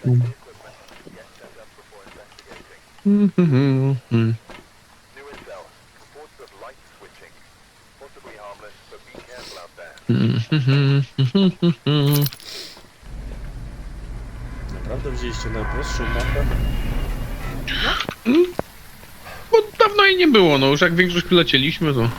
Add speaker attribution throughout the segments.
Speaker 1: Naprawdę wzięliście najprostszą mapę?
Speaker 2: Bo dawno jej nie było, no już jak większość lecieliśmy, to...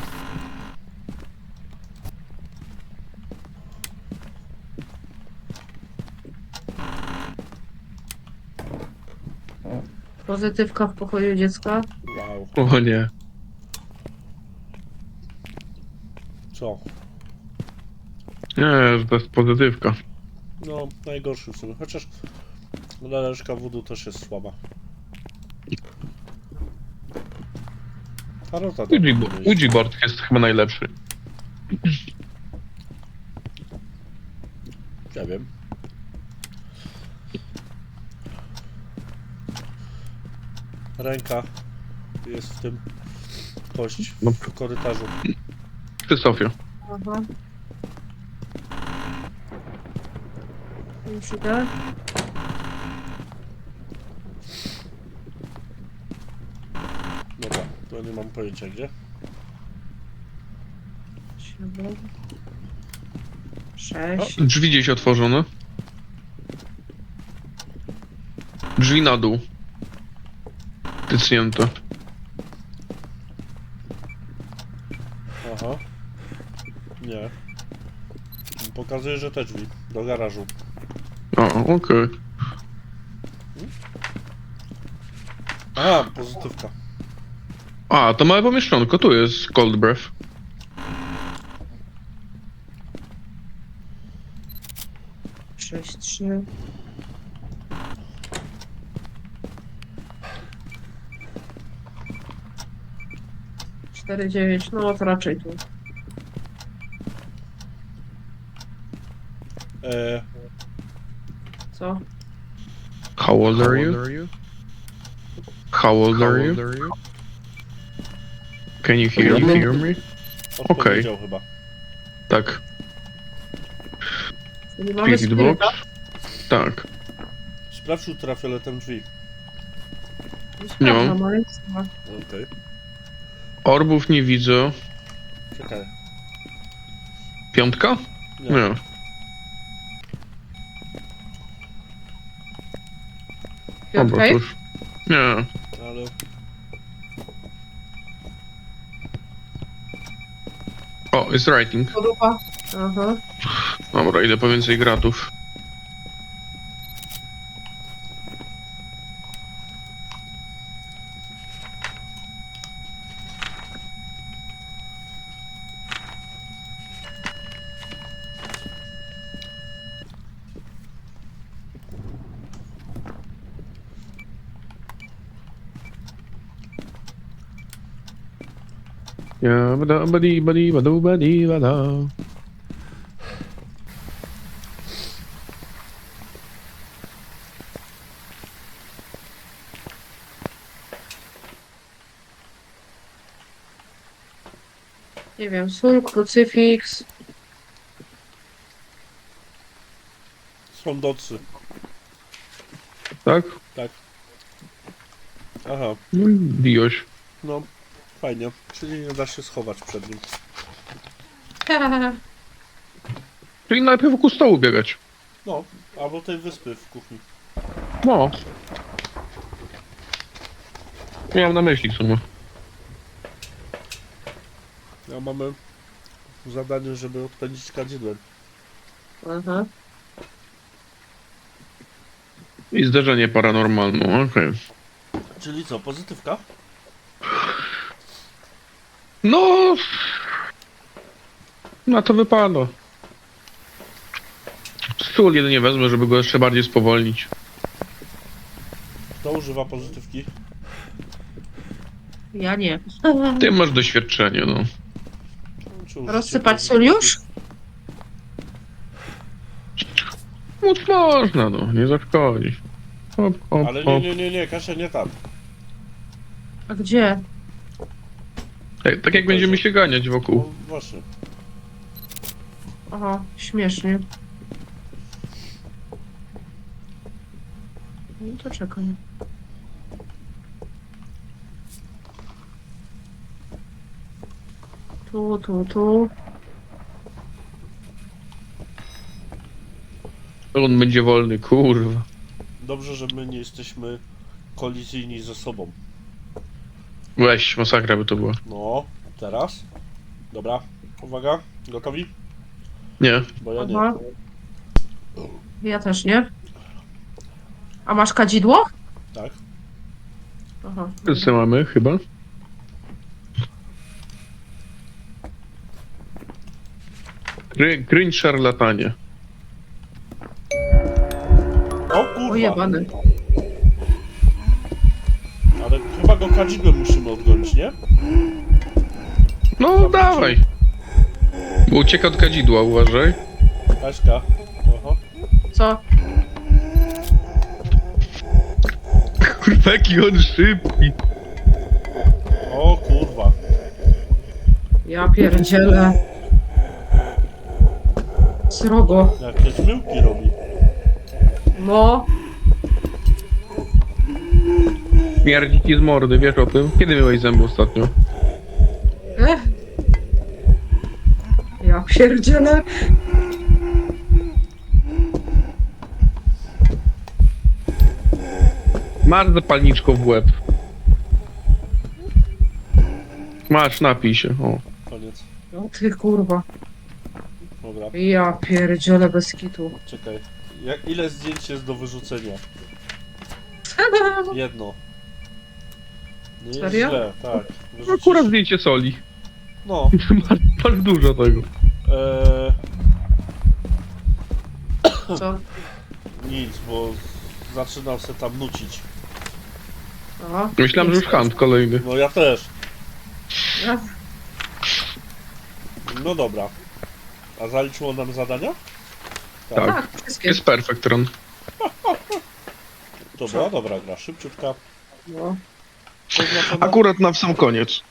Speaker 3: Pozytywka w pokoju dziecka.
Speaker 1: Wow.
Speaker 2: O nie.
Speaker 1: Co?
Speaker 2: Nie, to jest pozytywka.
Speaker 1: No, najgorszy w sumie. Chociaż laleczka voodoo też jest słaba. Tarota
Speaker 2: Ouija board jest chyba najlepszy.
Speaker 1: Ja wiem. Ręka jest w tym. Kość
Speaker 2: No.
Speaker 1: w korytarzu.
Speaker 2: Ty, Sofio.
Speaker 3: Aha. Już idę.
Speaker 1: Dobra, to nie mam pojęcia gdzie.
Speaker 3: 7.
Speaker 2: O,
Speaker 3: 6.
Speaker 2: drzwi gdzieś otworzone. Drzwi na dół. Tycnięte.
Speaker 1: Aha. Nie. Pokazuje, że te drzwi. Do garażu.
Speaker 2: O, okej.
Speaker 1: Aha, pozytywka.
Speaker 2: A, to małe pomieszczonko, tu jest Cold Breath.
Speaker 3: Sześć, 3. Cztery, 9. No to raczej tu. Co?
Speaker 2: How old are you? How old are you? Can you hear me?
Speaker 1: Odpowiedział chyba.
Speaker 2: Tak.
Speaker 3: Nie mamy
Speaker 2: Spirit box?
Speaker 3: spiryta.
Speaker 2: Tak.
Speaker 1: Sprawdź ultrafioletem drzwi.
Speaker 2: Nie mam.
Speaker 3: Sprawdzam, ale nic nie ma.
Speaker 1: Okej.
Speaker 2: Orbów nie widzę.
Speaker 1: Czekaj.
Speaker 2: Piątka?
Speaker 1: Nie.
Speaker 2: Nie. Dobra,
Speaker 3: Piątka
Speaker 2: to
Speaker 3: jest?
Speaker 2: już. Nie.
Speaker 1: Ale...
Speaker 2: O, jest writing.
Speaker 3: Podłupa. Aha.
Speaker 2: Dobra, idę po więcej gratów. Ja, bada, badi, badi, badu, badi, bada.
Speaker 3: Nie wiem, sól, krucyfiks.
Speaker 1: Są docy.
Speaker 2: Tak?
Speaker 1: Tak. Aha.
Speaker 2: No i bijoś.
Speaker 1: No. Fajnie. Czyli nie da się schować przed nim.
Speaker 2: Czyli najpierw wokół stołu biegać.
Speaker 1: No. Albo tej wyspy w kuchni.
Speaker 2: No. Miałem na myśli w sumie.
Speaker 1: Ja mamy zadanie, żeby odpędzić kadzidłem.
Speaker 3: Aha.
Speaker 2: I zdarzenie paranormalne, okej.
Speaker 1: Czyli co, pozytywka?
Speaker 2: No... Na to wypada. Stół jedynie wezmę, żeby go jeszcze bardziej spowolnić.
Speaker 1: Kto używa pozytywki?
Speaker 3: Ja nie.
Speaker 2: Ty masz doświadczenie, no.
Speaker 1: Czy użycie
Speaker 3: Rozsypać sól
Speaker 1: pozytywki?
Speaker 3: już?
Speaker 2: Móc można, no. Nie zaszkodzi. Hop, hop,
Speaker 1: Ale
Speaker 2: hop.
Speaker 1: nie, Kasia, nie tam.
Speaker 3: A gdzie?
Speaker 2: Tak jak będziemy się ganiać
Speaker 1: No
Speaker 2: wokół.
Speaker 1: właśnie.
Speaker 3: Aha, śmiesznie. No to czekam. Tu.
Speaker 2: On będzie wolny, kurwa.
Speaker 1: Dobrze, że my nie jesteśmy kolizyjni ze sobą.
Speaker 2: Weź, masakra by to była.
Speaker 1: No, teraz. Dobra, uwaga, gotowi?
Speaker 2: Nie.
Speaker 1: Bo ja nie.
Speaker 3: Aha. Ja też nie. A masz kadzidło?
Speaker 1: Tak.
Speaker 3: Aha.
Speaker 2: Wszyscy mamy, chyba. Cringe szarlatanie.
Speaker 1: O kurwa.
Speaker 3: Ojebany.
Speaker 1: Ale chyba go kadzidłem musimy odgonić, nie?
Speaker 2: No, dawaj. Bo ucieka od kadzidła, uważaj.
Speaker 1: Kaśka. Oho.
Speaker 3: Co?
Speaker 2: Kurwa, jaki on szybki.
Speaker 1: O kurwa.
Speaker 3: Ja pierdzielę. Srogo.
Speaker 1: Jakie zmyłki robi.
Speaker 3: No.
Speaker 2: Mierdzi ci z mordy, wiesz o tym? Kiedy myłeś zęby ostatnio?
Speaker 3: Ech. Ja pierdzielę.
Speaker 2: Masz zapalniczką w łeb. Masz, napij się. O.
Speaker 1: Koniec.
Speaker 3: No ty kurwa.
Speaker 1: Dobra,
Speaker 3: Ja pierdzielę bez kitu.
Speaker 1: czekaj. Ile zdjęć jest do wyrzucenia? Jedno. Nie jest
Speaker 3: Serio?
Speaker 1: źle, tak. Wyrzucisz-
Speaker 2: Akurat zdjęcie soli.
Speaker 1: No.
Speaker 2: Masz dużo tego.
Speaker 3: Co?
Speaker 1: Nic, bo zaczynam się tam nucić.
Speaker 3: Aha.
Speaker 2: Myślałem, że już hand kolejny.
Speaker 1: No ja też.
Speaker 3: Ja-
Speaker 1: No dobra. A zaliczyło nam zadania?
Speaker 2: Tak.
Speaker 3: Tak, wszystkie.
Speaker 2: Jest perfect run.
Speaker 1: Dobra, dobra gra, szybciutka.
Speaker 3: No.
Speaker 1: Oznaczona?
Speaker 2: Akurat na sam koniec.